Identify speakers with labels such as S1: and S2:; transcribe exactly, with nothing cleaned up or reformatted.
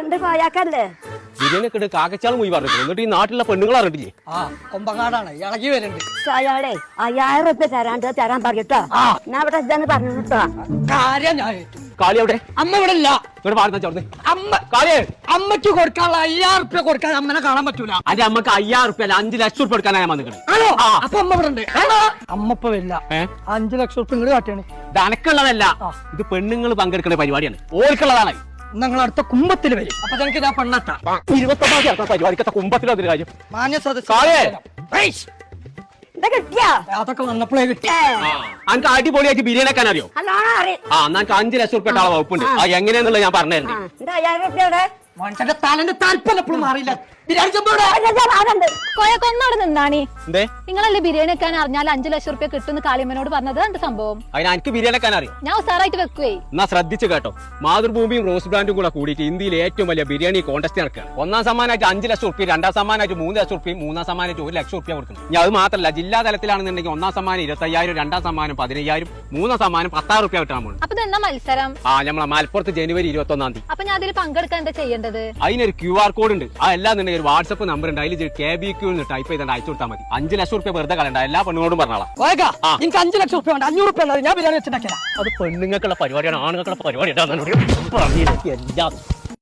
S1: Current പോയാക്കല്ലേ
S2: biryani കാക്കച്ചാളും പോയി പറഞ്ഞു എന്നിട്ട് ഈ നാട്ടിലുള്ള പെണ്ണുങ്ങൾ അറിഞ്ഞില്ലേ
S3: ആ കൊമ്പങ്ങാടാണ് ഇളകി വരുന്നുണ്ട്
S1: അയാളെ അയ്യായിരം റുപ്യ തരാണ്ട് തരാൻ പറയട്ടോ ഞാൻ ഇവിടെ ഇതെന്ന് പറഞ്ഞു കേട്ടോ
S3: കാര്യം ഞാൻ ഏറ്റു.
S2: കാളി അവിടെ
S3: അമ്മ ഇവിടെ ഇല്ല.
S2: ഇവിടെ പാടുന്ന ചോർന്ന്
S3: അമ്മ
S2: കാളിയേ
S3: അമ്മയ്ക്ക് കൊടുക്കാനുള്ള അയ്യായിരം റുപ്യ കൊടുക്കാൻ അമ്മനെ കാണാൻ പറ്റൂല.
S2: അന്റെ അമ്മക്ക് അയ്യായിരം റുപ്യ അല്ല അഞ്ചു ലക്ഷം റുപ്യ എടുക്കാനാ ഞാൻ വന്നിക്കണേ.
S3: ആണോ? അപ്പൊ അമ്മ ഇവിടെ ഉണ്ട്. അമ്മ ഇപ്പൊ വരില്ല. അഞ്ചു ലക്ഷം റുപ്യ ഇങ്ങോട്ട് കാട്ടിയാണ്.
S2: ഇത് അനക്കുള്ളതല്ല, ഇത് പെണ്ണുങ്ങൾ പങ്കെടുക്കുന്ന പരിപാടിയാണ്, ഓർക്കുള്ളതാണ്.
S3: നിങ്ങൾ അടുത്ത കുംഭത്തിൽ വരും. അപ്പൊ ഞങ്ങൾക്ക് ഞാൻ പെണ്ണട്ടാ
S2: ഇരുപത്തൊമ്പതാം തീയതി പരിപാടിക്കത്തെ കുമ്പത്തിലൊരു കാര്യം.
S3: മാന്യ
S2: കാളേ.
S3: സദസ്യ
S1: ഇത് കിട്ടിയാ
S3: അതൊക്കെ വന്നപ്പോഴേ കിട്ടി.
S2: അനക്ക് അടിപൊളിയായിട്ട് ബിരിയാണി വെക്കാൻ അറിയോ?
S1: നല്ലോണം അറിയാം.
S2: ആ എന്നാ എനിക്ക് അഞ്ചു ലക്ഷം റുപ്യ ആളെ വകുപ്പുണ്ട്. ആ എങ്ങനെയാന്നുള്ളത് ഞാൻ പറഞ്ഞിട്ടുണ്ട്.
S1: എന്റെ അയ്യായിരം റുപ്യ ഇവിടെ
S3: മനുഷ്യന്റെ തലന്റെ താല്പര്യം എപ്പോഴും മാറിയില്ല. ബിരിയാണി ചെമ്പോടെ
S1: അതുണ്ട്
S4: കൊയക്കൊന്നവിടെ നിന്നാണി
S2: എന്തേ
S4: നിങ്ങളല്ലേ ബിരിയാണി വെക്കാൻ അറിഞ്ഞാൽ അഞ്ചു ലക്ഷം റുപ്യ കിട്ടുന്ന കാളിയമ്മനോട് പറഞ്ഞത് എന്ത് സംഭവം?
S2: അതിന് എനിക്ക് ബിരിയാണി വെക്കാൻ അറിയോ?
S4: ഞാൻ ഉസാറായിട്ട് വെക്കുവേ.
S2: എന്നാ ശ്രദ്ധിച്ചു കേട്ടോ, മാതൃഭൂമിയും റോസ് ബ്രാൻഡും കൂടെ കൂടിയിട്ട് ഇന്ത്യയിലെ ഏറ്റവും വലിയ ബിരിയാണി കോൺടെസ്റ്റ് നടക്കുകയാണ്. ഒന്നാം സമ്മാനമായിട്ട് അഞ്ച് ലക്ഷം റുപ്യ, രണ്ടാം സമ്മാനമായിട്ട് മൂന്ന് ലക്ഷം റുപ്യ, മൂന്നാം സമ്മാനമായിട്ട് ഒരു ലക്ഷം റുപ്യ കൊടുക്കുന്നു. ഞാൻ അത് മാത്രമല്ല, ജില്ലാ തലത്തിലാണെന്നുണ്ടെങ്കിൽ ഒന്നാം സമ്മാനം ഇരുപത്തയ്യായിരം, രണ്ടാം സമ്മാനം പതിനയ്യായിരം, മൂന്നാം സമ്മാനം പത്തായിരം റുപ്യ കിട്ടാൻ പോകുന്നു.
S4: അപ്പൊ ഇതെന്നാ മത്സരം?
S2: ആ നമ്മളെ മലപ്പുറത്ത് ജനുവരി ഇരുപത്തി ഒന്നാം തീയതി.
S4: അപ്പൊ ഞാൻ അതിൽ പങ്കെടുക്കാൻ എന്താ ചെയ്യേണ്ടത്?
S2: അതിനൊരു ക്യു ആർ കോഡ് ഉണ്ട്. ആ എല്ലാന്നുണ്ടെങ്കിൽ ഒരു വാട്സ്ആപ്പ് നമ്പർ ഉണ്ട്, അതിൽ കെ ബി ക്യൂ ടൈപ്പ് ചെയ്താൽ അയച്ചു കൊടുത്താൽ മതി. അഞ്ച് ലക്ഷം റുപ്യ വെറുതെ കളയണ്ട, എല്ലാ പെണ്ണുങ്ങളോടും പറഞ്ഞോളാം.
S3: എനിക്ക് അഞ്ചു ലക്ഷം റുപ്യ വേണ്ട, അഞ്ഞൂറ് റുപ്യ ഞാൻ ബിരിയാണി വെച്ചിട്ടുണ്ടാക്കിയാ.
S2: അത് പെണ്ണുങ്ങൾക്കുള്ള പരിപാടിയാണ്, ആണുങ്ങൾക്കുള്ള പരിപാടിയാണ്.